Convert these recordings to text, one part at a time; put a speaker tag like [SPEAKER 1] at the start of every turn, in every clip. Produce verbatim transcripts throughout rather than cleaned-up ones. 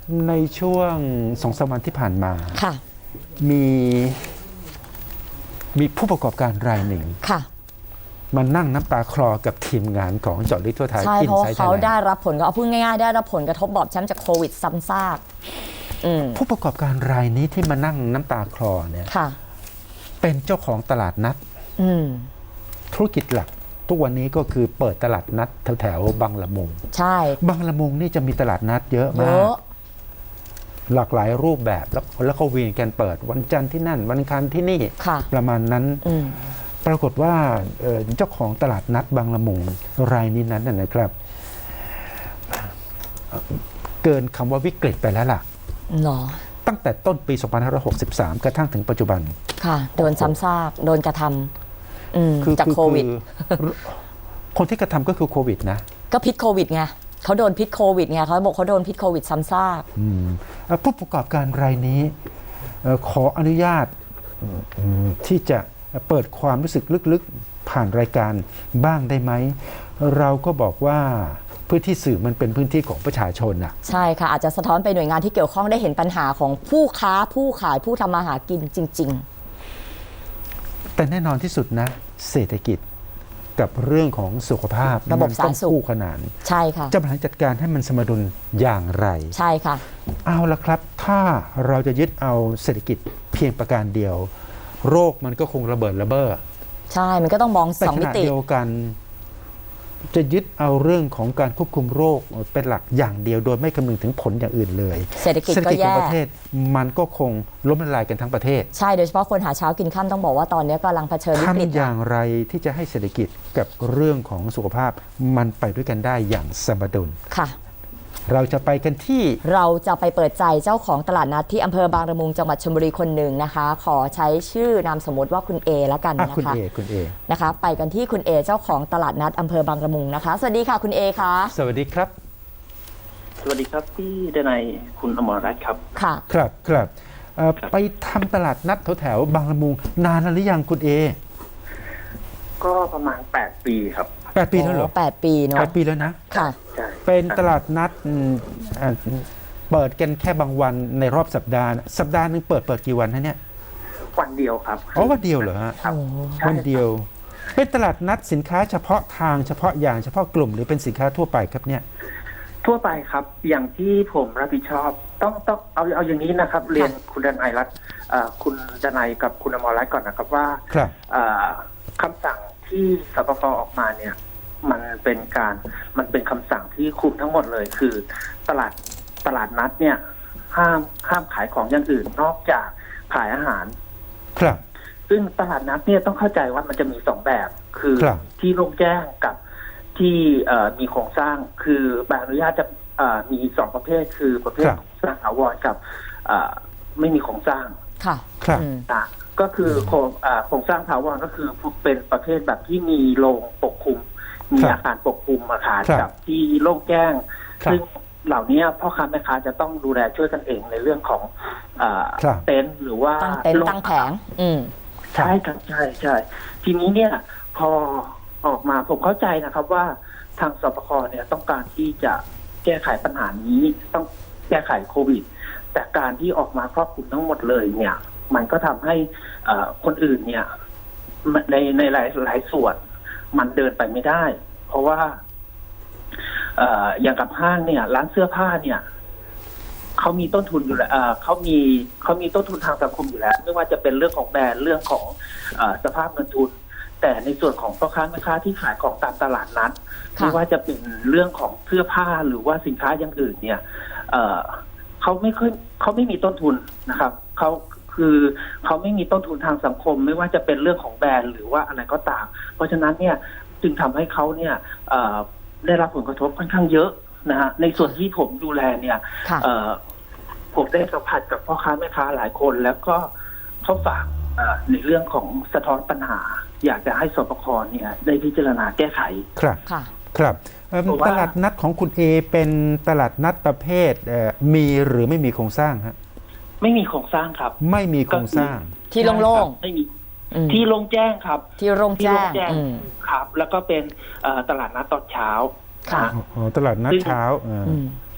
[SPEAKER 1] ในช่วงสองสามวันที่ผ่านมา
[SPEAKER 2] ค่ะ
[SPEAKER 1] มีมีผู้ประกอบการรายหนึ่ง
[SPEAKER 2] ค่ะ
[SPEAKER 1] มานั่งน้ำตาคลอกับทีมงานของเจาะลึกทั่วไทย
[SPEAKER 2] ใช่เพราะว่า
[SPEAKER 1] Inside
[SPEAKER 2] เขา
[SPEAKER 1] Thailand
[SPEAKER 2] ได้รับผลก็เอาพูดง่ายๆได้รับผลกระทบบอบช้ำจากโควิดซ้ำซากอืม
[SPEAKER 1] ผู้ประกอบการรายนี้ที่มานั่งน้ำตาคลอเนี่ย
[SPEAKER 2] ค่ะ
[SPEAKER 1] เป็นเจ้าของตลาดนัด
[SPEAKER 2] อืม
[SPEAKER 1] ธุรกิจหลัก ทุกวันนี้ก็คือเปิดตลาดนัดแถวๆบางละมุง
[SPEAKER 2] ใช่
[SPEAKER 1] บางละมุงนี่จะมีตลาดนัดเยอะ
[SPEAKER 2] เย
[SPEAKER 1] มาก
[SPEAKER 2] อะ
[SPEAKER 1] หลากหลายรูปแบบแล้วแล้วก็เวียนกันเปิดวันจันทร์ที่นั่นวันอังคารที่นี่
[SPEAKER 2] ค่ะ
[SPEAKER 1] ประมาณนั้น
[SPEAKER 2] อืม
[SPEAKER 1] ปรากฏว่าเอ่อเจ้าของตลาดนัดบางละมุงรายนี้นั้นน่ะนะครับเอ่อเกินคำว่าวิกฤตไปแล้วล่ะ
[SPEAKER 2] หรอ
[SPEAKER 1] ตั้งแต่ต้นปี สองพันห้าร้อยหกสิบสาม กระทั่งถึงปัจจุบัน
[SPEAKER 2] ค่ะ โดนซ้ำซาก โดนกระทำอืม
[SPEAKER 1] คือ
[SPEAKER 2] จาก
[SPEAKER 1] คือ
[SPEAKER 2] โควิด
[SPEAKER 1] คือคนที่กระทำก็คือโควิดนะ
[SPEAKER 2] ก็พิษโควิดไงเขาโดนพิษโควิดไงเขาบอกเขาโดนพิษโควิดซ้ำซาก
[SPEAKER 1] อืมเอ่อผู้ประกอบการรายนี้เอ่อขออนุญาตอืมที่จะเปิดความรู้สึกลึกๆผ่านรายการบ้างได้ไหม เราก็บอกว่าพื้นที่สื่อมันเป็นพื้นที่ของประชาชนน่ะ
[SPEAKER 2] ใช่ค่ะ อาจจะสะท้อนไปหน่วยงานที่เกี่ยวข้องได้เห็นปัญหาของผู้ค้าผู้ขายผู้ทำมาหากินจริง
[SPEAKER 1] แต่แน่นอนที่สุดนะ เศรษฐกิจกับเรื่องของสุขภาพ
[SPEAKER 2] ระบบ
[SPEAKER 1] มัน
[SPEAKER 2] สาธาร
[SPEAKER 1] ต้อ
[SPEAKER 2] ณ
[SPEAKER 1] ง
[SPEAKER 2] สุข
[SPEAKER 1] คู่ขนาน
[SPEAKER 2] ๆ ใช่ค่ะ
[SPEAKER 1] จะบริหารจัดการให้มันสมดุลอย่างไร
[SPEAKER 2] ใช่ค่ะ
[SPEAKER 1] เอาละครับ ถ้าเราจะยึดเอาเศรษฐกิจเพียงประการเดียว โรคมันก็คงระเบิดระเบ้อ
[SPEAKER 2] ใช่ มันก็ต้องมอง
[SPEAKER 1] แต่
[SPEAKER 2] สอง
[SPEAKER 1] ข
[SPEAKER 2] มิ
[SPEAKER 1] ณะ
[SPEAKER 2] ติ
[SPEAKER 1] เดียวกัน จะยึดเอาเรื่องของการควบคุมโรคเป็นหลักอย่างเดียวโดยไม่คำนึงถึงผลอย่างอื่นเลย
[SPEAKER 2] เศรษฐกิจ
[SPEAKER 1] เศรษฐ
[SPEAKER 2] ก็
[SPEAKER 1] กิจขอ
[SPEAKER 2] แย่
[SPEAKER 1] งประเทศมันก็คงล้มละลายกันทั้งประเทศ
[SPEAKER 2] ใช่โดยเฉพาะคนหาเช้ากินข้ามต้องบอกว่าตอนนี้กำลังเผชิญวิกฤต
[SPEAKER 1] ทำอย่างไรที่จะให้เศรษฐกิจกับเรื่องของสุขภาพมันไปด้วยกันได้อย่างสมดุล
[SPEAKER 2] ค่ะ
[SPEAKER 1] เราจะไปกันที่
[SPEAKER 2] เราจะไปเปิดใจเจ้าของตลาดนัดที่อำเภอบางละมุงจังหวัดชลบุรีคนหนึ่งนะคะ ขอใช้ชื่อนามสมมติว่าคุณเอแล้วกัน
[SPEAKER 1] อ่ะ
[SPEAKER 2] นะ
[SPEAKER 1] คุณ
[SPEAKER 2] คะ
[SPEAKER 1] เอคุณเอ
[SPEAKER 2] นะคะ ไปกันที่คุณเอเจ้าของตลาดนัดอำเภอบางละมุงนะคะ สวัสดีค่ะคุณเอคะ
[SPEAKER 1] สวัสดีครับ
[SPEAKER 3] สวัสดีครับพี่ดนัยคุณอมรรัตน์ครับ
[SPEAKER 2] ค่ะ
[SPEAKER 1] ครับครับเอ่อ
[SPEAKER 3] ครับ
[SPEAKER 1] ไปทำตลาดนัดแถวแถวๆบางละมุงนานแล้วหรือยังคุณเอ
[SPEAKER 3] ก็ประมาณแปดปีครับ
[SPEAKER 1] แปดปีแล้วเหรอ
[SPEAKER 2] แปดปีเนาะ
[SPEAKER 1] แปดปีแล้วนะ
[SPEAKER 2] ค่ะ
[SPEAKER 3] ใช่
[SPEAKER 1] เป็นตลาดนัดอืมอ่าเปิดกันแค่บางวันในรอบสัปดาห์นะสัปดาห์หนึงเปิดเปิดกี่วันฮะเนี่ย
[SPEAKER 3] วันเดียวครับ
[SPEAKER 1] อ๋อวันเดียวเหรอฮะ
[SPEAKER 3] ครับ
[SPEAKER 2] โอ้
[SPEAKER 3] ใช่
[SPEAKER 1] วันเดียว เป็นตลาดนัดสินค้าเฉพาะทางเฉพาะอย่างเฉพาะกลุ่มหรือเป็นสินค้าทั่วไปครับเนี่ย
[SPEAKER 3] ทั่วไปครับ อย่างที่ผมรับผิดชอบ ต้องต้องเอาเอาอย่างนี้นะครับ เรียนคุณดนัยรัตน์เอ่อคุณดนัยกับคุณอมรรัตน์ก่อนนะครับว่า
[SPEAKER 1] ครับ
[SPEAKER 3] เอ่อคำสั่งที่สปกออกมาเนี่ย มันเป็นการมันเป็นคำสั่งที่คุมทั้งหมดเลย คือตลาดตลาดนัดเนี่ย ห้ามห้ามขายของอย่างอื่น นอกจากขายอาหาร
[SPEAKER 1] ครับ
[SPEAKER 3] ซึ่งตลาดนัดเนี่ยต้องเข้าใจว่ามันจะมีสองแบบ คือ
[SPEAKER 1] ครับ
[SPEAKER 3] ที่โล่งแจ้งกับที่เอ่อมีโครงสร้าง คือใบอนุญาตจะเอ่อมีสองประเภท คือประเภท
[SPEAKER 1] ครับ
[SPEAKER 3] โครงสร้างถาวรกับเอ่อไม่มีโครงสร้าง
[SPEAKER 2] ค่ะ
[SPEAKER 1] ครับ
[SPEAKER 2] อืม
[SPEAKER 3] ต่างก็คือโครงเอ่อโครงสร้างถาวรก็คือเป็นประเภทแบบที่มีโรงปกคลุม มี
[SPEAKER 1] ครับ
[SPEAKER 3] อาคารปกคลุมอาคาร
[SPEAKER 1] ครับ
[SPEAKER 3] กับที่โล่งแจ้ง
[SPEAKER 1] ครับ
[SPEAKER 3] ซึ่งเหล่านี้พ่อค้าแม่ค้าจะต้องดูแลช่วยกันเองในเรื่องของเอ่อ
[SPEAKER 1] ครับ
[SPEAKER 3] เต็นท์หรือว่า
[SPEAKER 2] ตั้งเต็นท์
[SPEAKER 3] โรง
[SPEAKER 2] ตั้งแผง อืม
[SPEAKER 3] ใช่ครับใช่ใช่ทีนี้เนี่ย พอออกมาผมเข้าใจนะครับว่าทางสปคเนี่ยต้องการที่จะแก้ไขปัญหานี้ต้องแก้ไขโควิด แต่การที่ออกมาครอบคลุมทั้งหมดเลยเนี่ย มันก็ทำให้เอ่อคนอื่นเนี่ยในในหลายหลายส่วน มันเดินไปไม่ได้ เพราะว่า เอ่ออย่างกับห้างเนี่ย ร้านเสื้อผ้าเนี่ยเขามีต้นทุนอยู่แล้วเอ่อเขามีเขามีต้นทุนทางสังคมอยู่แล้ว ไม่ว่าจะเป็นเรื่องของแบรนด์เรื่องของเอ่อสภาพเงินทุน แต่ในส่วนของพ่อค้าแม่ค้าที่ขายของตามตลาดนัด
[SPEAKER 2] ค่ะ
[SPEAKER 3] ไม่ว่าจะเป็นเรื่องของเสื้อผ้าหรือว่าสินค้าอย่างอื่น เนี่ย เอ่อเขาไม่ค่อยเขาไม่มีต้นทุนนะครับเขาคือเขาไม่มีต้นทุนทางสังคม ไม่ว่าจะเป็นเรื่องของแบรนด์หรือว่าอะไรก็ตาม เพราะฉะนั้นเนี่ยจึงทำให้เขาเนี่ยเอ่อได้รับผลกระทบค่อนข้างเยอะนะฮะในส่วนที่ผมดูแลเนี่ย
[SPEAKER 2] ค่ะ
[SPEAKER 3] เอ่อผมได้สัมผัสกับพ่อค้าแม่ค้าหลายคน แล้วก็เขาฝากเอ่อในเรื่องของสะท้อนปัญหา อยากจะให้สปคเนี่ยได้พิจารณาแก้ไข
[SPEAKER 1] ครับ
[SPEAKER 2] ค่ะ
[SPEAKER 1] ครับเอิ่ม
[SPEAKER 3] เพราะว่า
[SPEAKER 1] ตลาดนัดของคุณเอเป็นตลาดนัดประเภทเอ่อมีหรือไม่มีโครงสร้างฮะ
[SPEAKER 3] ไม่มีโครงสร้างครับ
[SPEAKER 1] ไม่มีโครงสร้าง
[SPEAKER 2] ที่โล่ง
[SPEAKER 3] ไม่มี
[SPEAKER 2] ๆอืม
[SPEAKER 3] ที่โล่งแจ้งครับ
[SPEAKER 2] ที่โล่ง
[SPEAKER 3] ที่
[SPEAKER 2] แจ้
[SPEAKER 3] โล่
[SPEAKER 2] ง
[SPEAKER 3] งแจ้ง
[SPEAKER 2] อืม
[SPEAKER 3] ครับ แล้วก็เป็นเอ่อตลาดนัดตอนเช้า
[SPEAKER 2] ค่ะ
[SPEAKER 3] นะ
[SPEAKER 1] อ๋อตลาดนัดเช้าเอ่อ
[SPEAKER 2] อืม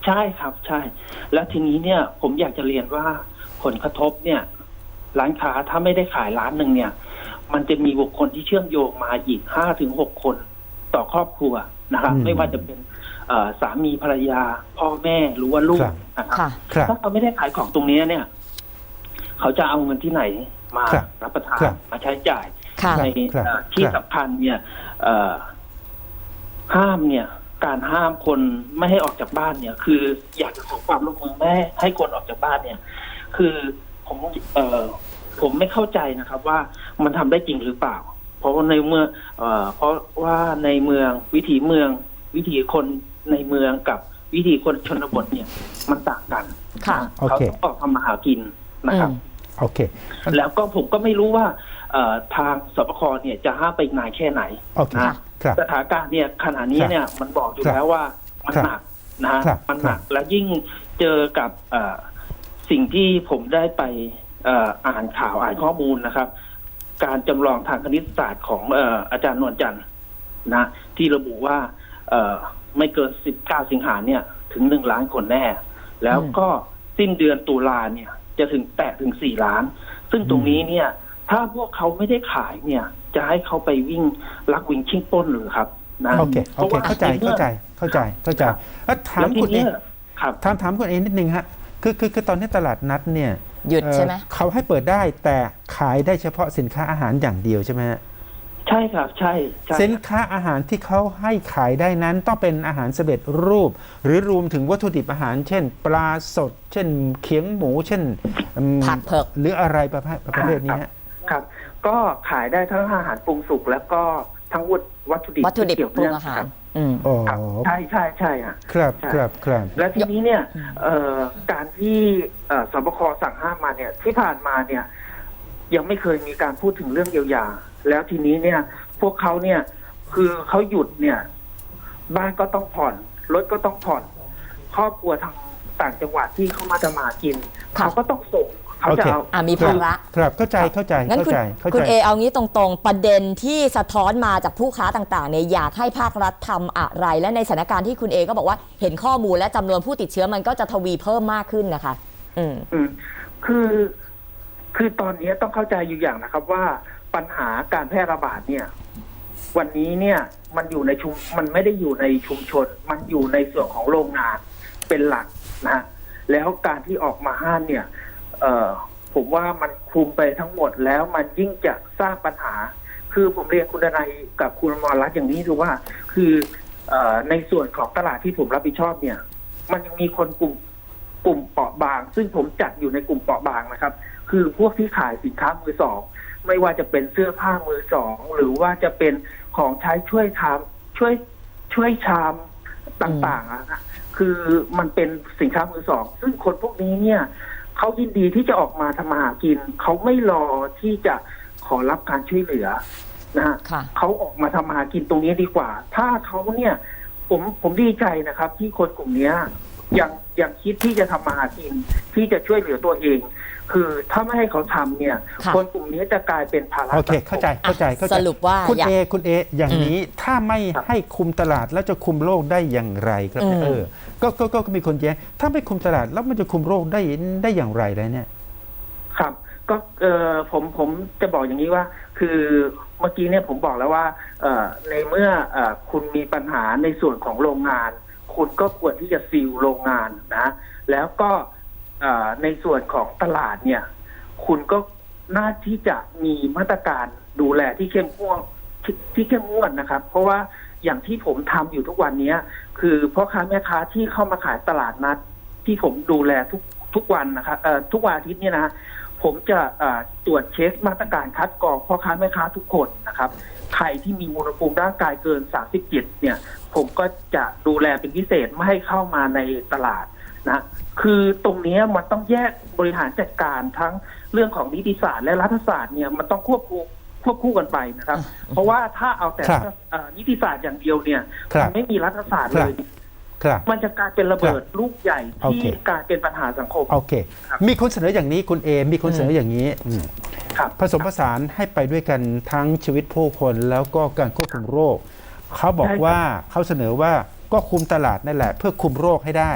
[SPEAKER 3] ใช่ครับใช่ แล้วทีนี้เนี่ยผมอยากจะเรียนว่าผลกระทบเนี่ย ร้านค้าถ้าไม่ได้ขายร้านหนึ่งเนี่ย มันจะมีบุคคลที่เชื่อมโยงมาอีกห้าถึงหกคนต่อครอบครัวนะครับ
[SPEAKER 1] อืม
[SPEAKER 3] ไม่ว่าจะเป็นเอ่อสามีภรรยา พ่อแม่หรือว่าลูก
[SPEAKER 1] ครับ
[SPEAKER 3] นะครับ
[SPEAKER 2] ค่ะ
[SPEAKER 1] ครับ
[SPEAKER 3] ถ้าเขาไม่ได้ขายของตรงนี้เนี่ย เขาจะเอาเงินที่ไหนมา
[SPEAKER 1] ครับ
[SPEAKER 3] รับประทาน
[SPEAKER 1] ครับ
[SPEAKER 3] มาใช้จ่าย
[SPEAKER 2] ค่ะ
[SPEAKER 3] ใน
[SPEAKER 1] ครับ
[SPEAKER 3] เอ่อที่
[SPEAKER 1] ครับ
[SPEAKER 3] สำคัญเนี่ยเอ่อห้ามเนี่ย การห้ามคนไม่ให้ออกจากบ้านเนี่ย คืออยากจะขอความร่วมมือไม่ให้คนออกจากบ้านเนี่ย คือผมเอ่อผมไม่เข้าใจนะครับ ว่ามันทำได้จริงหรือเปล่า เพราะว่าในเมื่อเอ่อเพราะว่าในเมืองวิถีเมือง วิถีคนในเมืองกับวิถีคนชนบทเนี่ย มันต่างกัน
[SPEAKER 2] ค่ะ
[SPEAKER 1] โอ
[SPEAKER 3] เขา
[SPEAKER 1] เค
[SPEAKER 3] ต้องออกทำมาหากินนะครับ
[SPEAKER 2] อืม
[SPEAKER 1] โอเค
[SPEAKER 3] แล้วก็ผมก็ไม่รู้ว่าเอ่อทางสปคเนี่ยจะห้ามไปอีกนานแค่ไหน
[SPEAKER 1] โอเค
[SPEAKER 3] นะ
[SPEAKER 1] ครับ
[SPEAKER 3] สถานการณ์เนี่ยขณะนี้เนี่ยมันบอกอยู่
[SPEAKER 1] ครับ
[SPEAKER 3] แล้วว่ามัน
[SPEAKER 1] ครับ
[SPEAKER 3] หนักนะฮะ
[SPEAKER 1] ครับ
[SPEAKER 3] มันหนัก
[SPEAKER 1] ครับ
[SPEAKER 3] และยิ่งเจอกับเอ่อสิ่งที่ผมได้ไปเอ่ออ่านข่าวอ่านข้อมูลนะครับ การจำลองทางคณิตศาสตร์ของเอ่ออาจารย์นวลจันทร์นะ ที่ระบุว่าเอ่อไม่เกินสิบเก้าสิงหาเนี่ยถึงหนึ่งล้านคนแน่ แล้วก็สิ้นเดือนตุลาเนี่ย จะถึงแตะถึงสี่ล้าน ซึ่งตรงนี้เนี่ย ถ้าพวกเขาไม่ได้ขายเนี่ย จะให้เขาไปวิ่งลักวิ่งชิงปล้นหรือครับนะ
[SPEAKER 1] โอเค โอเค เข้าใจ เข้าใจ เข้าใจ เข้าใจ แล้วถาม
[SPEAKER 3] แล้วที
[SPEAKER 1] คุณเอ
[SPEAKER 3] เนี้
[SPEAKER 1] ง
[SPEAKER 3] ยครับ
[SPEAKER 1] ถามถามคุณเองนิดนึงฮะ คือคือคือตอนนี้ตลาดนัดเนี่ย
[SPEAKER 2] หยุด
[SPEAKER 1] เอ่อ
[SPEAKER 2] ใช่ไหม
[SPEAKER 1] เขาให้เปิดได้แต่ขายได้เฉพาะสินค้าอาหารอย่างเดียวใช่ไหมฮะ
[SPEAKER 3] ใช่ครับ ใช่ใช่
[SPEAKER 1] สินค้าอาหารที่เขาให้ขายได้นั้นต้องเป็นอาหารสำเร็จรูป หรือรวมถึงวัตถุดิบอาหาร เช่น ปลาสด เช่นเขียงหมู เช่นอืม
[SPEAKER 2] ผักเผือก
[SPEAKER 1] หรืออะไรประเภทประเภทนี้ฮะ
[SPEAKER 3] ครับ ก็ขายได้ทั้งอาหารปรุงสุกแล้วก็ทั้งวัตถุดิบ
[SPEAKER 2] วัตถุดิบ
[SPEAKER 3] ที่เกี่ยว
[SPEAKER 2] ปรุ
[SPEAKER 3] เนื่
[SPEAKER 2] ง
[SPEAKER 3] อง
[SPEAKER 2] อาหาร
[SPEAKER 3] ครับ
[SPEAKER 2] อืม
[SPEAKER 1] อ๋อ
[SPEAKER 3] ครับใช่ใช่ใช่อ่ะ
[SPEAKER 1] ครับ
[SPEAKER 3] ใช่
[SPEAKER 1] ครับครับ
[SPEAKER 3] และทีนี้เนี่ยเอ่อการที่เอ่อสบคสั่งห้ามมาเนี่ย ที่ผ่านมาเนี่ย ยังไม่เคยมีการพูดถึงเรื่องเยียวยา แล้วทีนี้เนี่ย พวกเขาเนี่ย คือเขาหยุดเนี่ย บ้านก็ต้องผ่อนรถก็ต้องผ่อน ครอบครัวทางต่างจังหวัดที่เขามาจะมากิน
[SPEAKER 2] ค่ะ
[SPEAKER 3] เขาก็ต้องส่งเขาจะเอา
[SPEAKER 2] อ่ะมีภาระ
[SPEAKER 1] ครับ เข้าใจ เข้าใจ
[SPEAKER 2] งั้น
[SPEAKER 1] เข้า
[SPEAKER 2] คุณ
[SPEAKER 1] ใจ เข้า
[SPEAKER 2] คุณ
[SPEAKER 1] ใจ
[SPEAKER 2] เอเอางี้ตรงๆ ประเด็นที่สะท้อนมาจากผู้ค้าต่างๆเนี่ยอยากให้ภาครัฐทำอะไร และในสถานการณ์ที่คุณเอก็บอกว่าเห็นข้อมูลและจำนวนผู้ติดเชื้อมันก็จะทวีเพิ่มมากขึ้นนะคะ อืม
[SPEAKER 3] อืมคือ คือตอนนี้ต้องเข้าใจอยู่อย่างนะครับว่าปัญหาการแพร่ระบาดเนี่ย วันนี้เนี่ยมันอยู่ในชุมมันไม่ได้อยู่ในชุมชน มันอยู่ในส่วนของโรงงานเป็นหลักนะฮะแล้วการที่ออกมาห้ามเนี่ย เอ่อผมว่ามันคุมไปทั้งหมดแล้วมันยิ่งจะสร้างปัญหา คือผมเรียนคุณดนัยกับคุณอมรรัตน์อย่างนี้คือว่า คือเอ่อในส่วนของตลาดที่ผมรับผิดชอบเนี่ย มันยังมีคนกลุ่มกลุ่มเปราะบาง ซึ่งผมจัดอยู่ในกลุ่มเปราะบางนะครับ คือพวกที่ขายสินค้ามือสอง ไม่ว่าจะเป็นเสื้อผ้ามือสอง หรือว่าจะเป็นของใช้ช่วยทำช่วยช่วยชามต่างๆอะนะคือมันเป็นสินค้ามือสอง ซึ่งคนพวกนี้เนี่ยเขายินดีที่จะออกมาทำมาหากิน เขาไม่รอที่จะขอรับการช่วยเหลือนะฮะ
[SPEAKER 2] ค่ะ
[SPEAKER 3] เขาออกมาทำมาหากินตรงนี้ดีกว่า ถ้าเขาเนี่ย ผมผมดีใจนะครับ ที่คนกลุ่มเนี้ยยังยังคิดที่จะทำมาหากิน ที่จะช่วยเหลือตัวเอง คือถ้าไม่ให้เขาทำเนี่ย
[SPEAKER 2] ค่ะ
[SPEAKER 3] คนกลุ่มนี้จะกลายเป็นภาระ
[SPEAKER 1] โอเค
[SPEAKER 3] สังม
[SPEAKER 1] เข้าใจ เข้าใจ เข้าใจ
[SPEAKER 2] สรุปว่า
[SPEAKER 1] คุณ
[SPEAKER 2] อยาก
[SPEAKER 1] เอ คุณเอ อย่างนี้ถ้าไม่
[SPEAKER 3] ครับ
[SPEAKER 1] ให้คุมตลาดแล้วจะคุมโรคได้อย่างไรครับ
[SPEAKER 2] อืม
[SPEAKER 1] เออก็ก็ก็ก็มีคนแย้งถ้าไม่คุมตลาดแล้วมันจะคุมโรคได้ได้อย่างไรเลยเนี่ย
[SPEAKER 3] ครับ ก็เออผมผมจะบอกอย่างนี้ว่า คือเมื่อกี้เนี่ยผมบอกแล้วว่า เอ่อในเมื่อเอ่อคุณมีปัญหาในส่วนของโรงงาน คุณก็ควรที่จะซีลโรงงานนะ แล้วก็เอ่อในส่วนของตลาดเนี่ย คุณก็น่าที่จะมีมาตรการดูแลที่เข้มงวดที่ที่เข้มงวดนะครับ เพราะว่าอย่างที่ผมทำอยู่ทุกวันนี้คือพ่อค้าแม่ค้าที่เข้ามาขายตลาดนัด ที่ผมดูแลทุกทุกวันนะครับเอ่อทุกวันอาทิตย์เนี่ยนะ ผมจะเอ่อตรวจเช็คมาตรการคัดกรองพ่อค้าแม่ค้าทุกคนนะครับ ใครที่มีอุณหภูมิร่างกายเกินสามสิบเจ็ดเนี่ย ผมก็จะดูแลเป็นพิเศษไม่ให้เข้ามาในตลาดนะ คือตรงนี้มันต้องแยกบริหารจัดการทั้งเรื่องของนิติศาสตร์และรัฐศาสตร์เนี่ยมันต้องควบคู่ควบคู่กันไปนะครับ เพราะว่าถ้าเอาแต่
[SPEAKER 1] ครับ
[SPEAKER 3] เอ่อนิติศาสตร์อย่างเดียวเนี่ย
[SPEAKER 1] ครับ
[SPEAKER 3] มันไม่มีรัฐศาสตร์เลย
[SPEAKER 1] ครับ
[SPEAKER 3] มันจะกลายเป็นระเบิดลูกใหญ่
[SPEAKER 1] โอ
[SPEAKER 3] ที่
[SPEAKER 1] เค
[SPEAKER 3] กลายเป็นปัญหาสังคม
[SPEAKER 1] โอเค
[SPEAKER 3] ครับ
[SPEAKER 1] มีคนเสนออย่างนี้คุณเอ มีคนเสนออย่างนี้อืม
[SPEAKER 3] ครับ
[SPEAKER 1] ผสมผสานให้ไปด้วยกันทั้งชีวิตผู้คนแล้วก็การควบคุมโรค เขาบอกว่าเขาเสนอว่าก็คุมตลาดนั่นแหละ เพื่อคุมโรคให้ได้ แ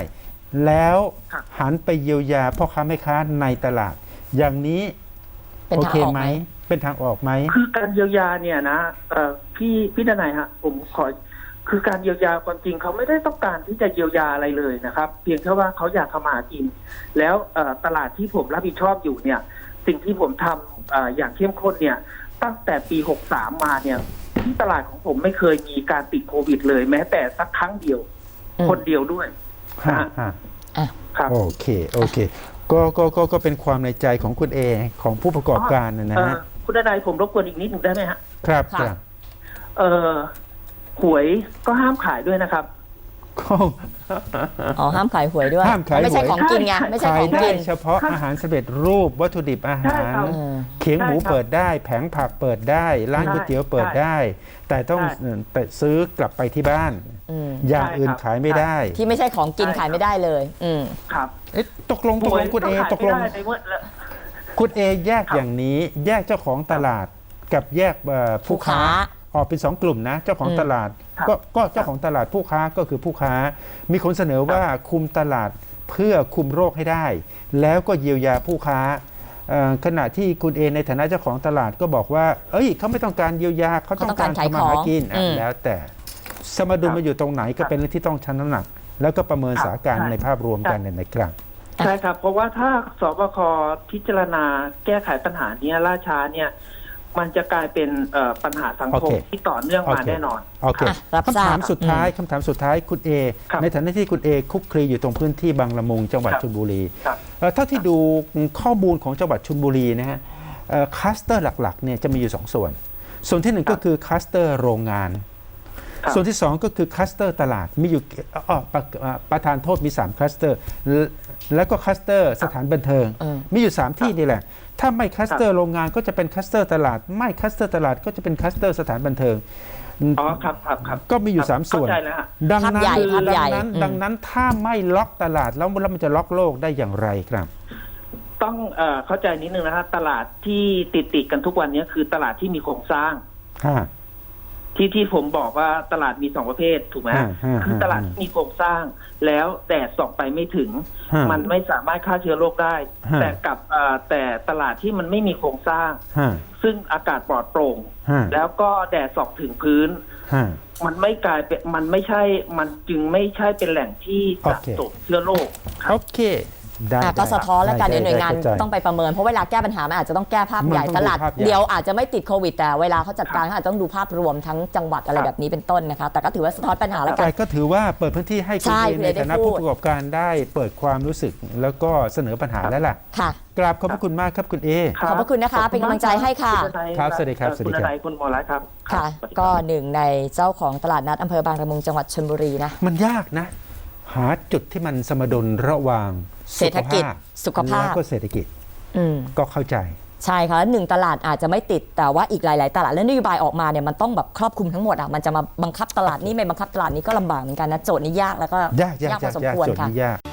[SPEAKER 1] แล้ว
[SPEAKER 3] ครับ
[SPEAKER 1] หันไปเยียวยาพ่อค้าแม่ค้าในตลาด อย่างนี้
[SPEAKER 2] เป็น
[SPEAKER 1] โอ
[SPEAKER 2] ทาง
[SPEAKER 1] เค
[SPEAKER 2] ออก
[SPEAKER 1] ไห
[SPEAKER 2] ไห
[SPEAKER 1] ม
[SPEAKER 2] ม
[SPEAKER 1] เป็นทางออกไหม
[SPEAKER 3] คือการเยียวยาเนี่ยนะเอ่อพี่พี่ดนัยฮะผมขอคือการเยียวยาความจริงเขาไม่ได้ต้องการที่จะเยียวยาอะไรเลยนะครับ เพียงแค่ว่าเขาอยากทำมาหากิน แล้วเอ่อตลาดที่ผมรับผิดชอบอยู่เนี่ย สิ่งที่ผมทำเอ่ออย่างเข้มข้นเนี่ย ตั้งแต่ปีหกสามมาเนี่ยที่ตลาดของผมไม่เคยมีการติดโควิดเลย แม้แต่สักครั้งเดียว
[SPEAKER 2] อืม
[SPEAKER 3] คนเดียวด้วย
[SPEAKER 1] ฮะฮะ
[SPEAKER 2] อ่ะ
[SPEAKER 3] ครับ
[SPEAKER 1] โอเค โอเค ก็ก็ก็ก็เป็นความในใจของคุณเอ ของผู้ประกอบการนะนะ
[SPEAKER 3] เอ่อ
[SPEAKER 1] ฮะ
[SPEAKER 3] คุณดนัยผมรบกวนอีกนิดหนึ่งได้ไหมฮะ
[SPEAKER 1] ครับ
[SPEAKER 2] ค่ะ
[SPEAKER 1] ครับ
[SPEAKER 3] เอ่อหวยก็ห้ามขายด้วยนะครับ
[SPEAKER 1] ก็
[SPEAKER 2] อ๋อห้ามขายหวยด้วย
[SPEAKER 1] ห้ามขายหวย
[SPEAKER 2] ไม่ใช่ของกินไงไม่ใช่
[SPEAKER 1] ขา
[SPEAKER 2] ข
[SPEAKER 1] ย
[SPEAKER 2] อง
[SPEAKER 1] ได้
[SPEAKER 2] กิน
[SPEAKER 1] เฉพาะอาหารสำเร็จรูปวัตถุดิบอา
[SPEAKER 3] ใช่
[SPEAKER 1] หาร
[SPEAKER 3] ครับ
[SPEAKER 2] เออ
[SPEAKER 1] เขียงหมู
[SPEAKER 3] ใช่ครับ
[SPEAKER 1] เปิดได้ แผงผักเปิดได้ ร้าน
[SPEAKER 3] ใช่
[SPEAKER 1] ก๋วยเตี๋ยวเปิด
[SPEAKER 3] ใช่
[SPEAKER 1] ได้ แต่ต้อง
[SPEAKER 3] ใช่
[SPEAKER 1] เอ่อแต่ซื้อกลับไปที่บ้าน
[SPEAKER 2] อืม
[SPEAKER 1] อย่าง
[SPEAKER 3] ใช่
[SPEAKER 1] อื่น
[SPEAKER 3] ครับ
[SPEAKER 1] ขายไม่ได้
[SPEAKER 2] ที่ไม่ใช่ของกิน
[SPEAKER 3] ใช่
[SPEAKER 2] ขายไม่ได้เลย อืม
[SPEAKER 3] ครับ
[SPEAKER 1] เอ๊ะตกลงตกลงคุณเอ
[SPEAKER 3] หวย
[SPEAKER 1] ตกลง
[SPEAKER 3] ขายไม่ได้ในเมื่อ
[SPEAKER 1] คุณเอแยก
[SPEAKER 3] ครับ
[SPEAKER 1] อย่างนี้ แยกเจ้าของตลาดกับแยกเอ่อผู้ค้า
[SPEAKER 2] ผู้ค้า
[SPEAKER 1] ออกเป็นสองกลุ่มนะ เจ้าของ
[SPEAKER 2] อืม
[SPEAKER 1] ตลาด
[SPEAKER 3] ครับ
[SPEAKER 1] ก็ก็เจ้าของตลาดผู้ค้าก็คือผู้ค้า มีคนเสนอว่าคุมตลาดเพื่อคุมโรคให้ได้ แล้วก็เยียวยาผู้ค้าเอ่อขณะที่คุณเอในฐานะเจ้าของตลาดก็บอกว่า เอ้ยเขาไม่ต้องการเยียวยาเขาต้องการ
[SPEAKER 2] เขาต้องการขาย
[SPEAKER 1] ทำมาหากิน
[SPEAKER 2] ของ
[SPEAKER 1] อ่ะ
[SPEAKER 2] อืม
[SPEAKER 1] แล้วแต่สมดุลมาอยู่ตรงไหนก็เป็นเรื่องที่ต้องชั่งน้ำหนัก แล้วก็ประเมินสถานการณ์ในภาพรวมกันเนี่ยนะครับ
[SPEAKER 3] ใช่ครับ เพราะว่าถ้าสบคพิจารณาแก้ไขปัญหาเนี้ยล่าช้าเนี่ย มันจะกลายเป็นเอ่อปัญหาสังคม
[SPEAKER 1] โอเค
[SPEAKER 3] ที่ต่อเนื่องมา
[SPEAKER 1] โอเค
[SPEAKER 3] แน่นอน
[SPEAKER 1] โอเค
[SPEAKER 2] อ่ะรับทราบ
[SPEAKER 1] คำถามสุดท้ายคำถามสุดท้ายคุณเอ
[SPEAKER 3] ครับ
[SPEAKER 1] ในฐานะที่คุณเอคุกคลีอยู่ตรงพื้นที่บางละมุงจังหวัด
[SPEAKER 3] ครับ
[SPEAKER 1] ชลบุรี
[SPEAKER 3] ครับ
[SPEAKER 1] เอ่อเท่าที่ดูข้อมูลของจังหวัดชลบุรีนะฮะเอ่อคลัสเตอร์หลักๆเนี่ยจะมีอยู่สองส่วน ส่วนที่หนึ่ง
[SPEAKER 3] ครับ
[SPEAKER 1] ก็คือคลัสเตอร์โรงงาน
[SPEAKER 3] ครับ
[SPEAKER 1] ส่วนที่สองก็คือคลัสเตอร์ตลาดมีอยู่อ๋อประเอ่อประธานโทษมีสามคลัสเตอร์และแล้วก็คลัสเตอร์สถานบันเทิง
[SPEAKER 2] เออ
[SPEAKER 1] มีอยู่สามที่นี่แหละ ถ้าไม่คลัสเตอร์โรงงานก็จะเป็นคลัสเตอร์ตลาด ไม่คลัสเตอร์ตลาดก็จะเป็นคลัสเตอร์สถานบันเทิง
[SPEAKER 3] อ๋อครับครับครับ
[SPEAKER 1] ก็มีอยู่สามส่วน
[SPEAKER 3] เข้าใจแล้วฮะ
[SPEAKER 1] ดังนั้น
[SPEAKER 2] ภาพใหญ่ภาพใหญ่
[SPEAKER 1] ดังนั้น
[SPEAKER 2] อืม
[SPEAKER 1] ดังนั้นถ้าไม่ล็อกตลาดแล้วแล้วมันจะล็อกโลกได้อย่างไรครับ
[SPEAKER 3] ต้องเอ่อเข้าใจนิดนึงนะฮะตลาดที่ติดติดๆกันทุกวันนี้คือตลาดที่มีโครงสร้าง
[SPEAKER 1] ฮะ
[SPEAKER 3] ที่ที่ผมบอกว่าตลาดมีสองประเภทถูกไหมฮะ
[SPEAKER 1] ฮะฮะ
[SPEAKER 3] คือตลาดที่มีโครงสร้าง แล้วแดดส่องไปไม่ถึง
[SPEAKER 1] ฮะ
[SPEAKER 3] มันไม่สามารถฆ่าเชื้อโรคได้
[SPEAKER 1] ฮะ
[SPEAKER 3] แต่กับเอ่อแต่ตลาดที่มันไม่มีโครงสร้าง
[SPEAKER 1] ฮะ
[SPEAKER 3] ซึ่งอากาศปลอดโปร่ง
[SPEAKER 1] ฮะ
[SPEAKER 3] แล้วก็แดดส่องถึงพื้น
[SPEAKER 1] ฮะ
[SPEAKER 3] มันไม่กลายเป็นมันไม่ใช่ มันจึงไม่ใช่เป็นแหล่งที่สะ
[SPEAKER 1] โอเค
[SPEAKER 3] สมเชื้อโรคครั
[SPEAKER 1] โอบ เคได้
[SPEAKER 2] อ่ะก็
[SPEAKER 1] ได้
[SPEAKER 2] สะท้อนแล้วกัน
[SPEAKER 1] ได้
[SPEAKER 2] เดี๋ยวหน่วยงาน
[SPEAKER 1] ได้เข้ใจ
[SPEAKER 2] ต้องไปประเมินเพราะเวลาแก้ปัญหามันอาจจะต้องแก้ภาพใหญ่
[SPEAKER 1] มันต้อง
[SPEAKER 2] ตลาด
[SPEAKER 1] ดูภาพใหญ่
[SPEAKER 2] เดียวอาจจะไม่ติดโควิด แต่เวลาเขาจัดการเขาอาจจะต้องดูภาพรวมทั้งจังหวัดอะไรแบบนี้เป็นต้นนะคะ แต่ก็ถือว่าสะท้อนปัญหาแล้วกั
[SPEAKER 1] แต่
[SPEAKER 2] น
[SPEAKER 1] ก็ถือว่าเปิดพื้นที่ให้คุณ
[SPEAKER 2] ใช่
[SPEAKER 1] เอ
[SPEAKER 2] คุณ
[SPEAKER 1] ใน
[SPEAKER 2] เอได้
[SPEAKER 1] ฐานะ
[SPEAKER 2] พูด
[SPEAKER 1] ผู้ประกอบการได้เปิดความรู้สึก แล้วก็เสนอปัญหาแล้วล่ะ
[SPEAKER 2] ค่ะ
[SPEAKER 1] กราบขอบพระคุณมากครับคุณเอ
[SPEAKER 3] รับ
[SPEAKER 2] ขอบพระคุณนะคะ
[SPEAKER 3] ขบ
[SPEAKER 2] เป็นกำลังใจให้ค่ะ
[SPEAKER 3] ณทนาย
[SPEAKER 1] ครับสวัสดีครับ
[SPEAKER 3] เอ่อ
[SPEAKER 1] สวัสดี
[SPEAKER 3] คุณ
[SPEAKER 1] ครับ
[SPEAKER 3] ทนายคุณหมอรัตน์ครับ
[SPEAKER 2] ค่ะ
[SPEAKER 3] สวัสดีรับ
[SPEAKER 2] ก็หนึ่งในเจ้าของตลาดนัดอำเภอบางละมุงจังหวัดชลบุรีนะ
[SPEAKER 1] มันยากนะ หาจุดที่มันสมดุลระหว่าง
[SPEAKER 2] เศรษฐกิจสุขภาพ
[SPEAKER 1] แล้วก็เศรษฐกิจ
[SPEAKER 2] อืม
[SPEAKER 1] ก็เข้าใจ
[SPEAKER 2] ใช่ค่ะแล้วหนึ่งตลาดอาจจะไม่ติดแต่ว่าอีกหลาย ๆ ตลาดแล้วนโยบายออกมาเนี่ยมันต้องแบบครอบคลุมทั้งหมดอ่ะมันจะมาบังคับตลาดนี้ไม่บังคับตลาดนี้ก็ลำบากเหมือนกันนะโจทย์นี้ยากแล้วก็
[SPEAKER 1] ยากยาก
[SPEAKER 2] พ
[SPEAKER 1] ยา
[SPEAKER 2] อก สม
[SPEAKER 1] ยาก
[SPEAKER 2] ควร
[SPEAKER 1] โจทย์
[SPEAKER 2] ค่ะ
[SPEAKER 1] นี้ยาก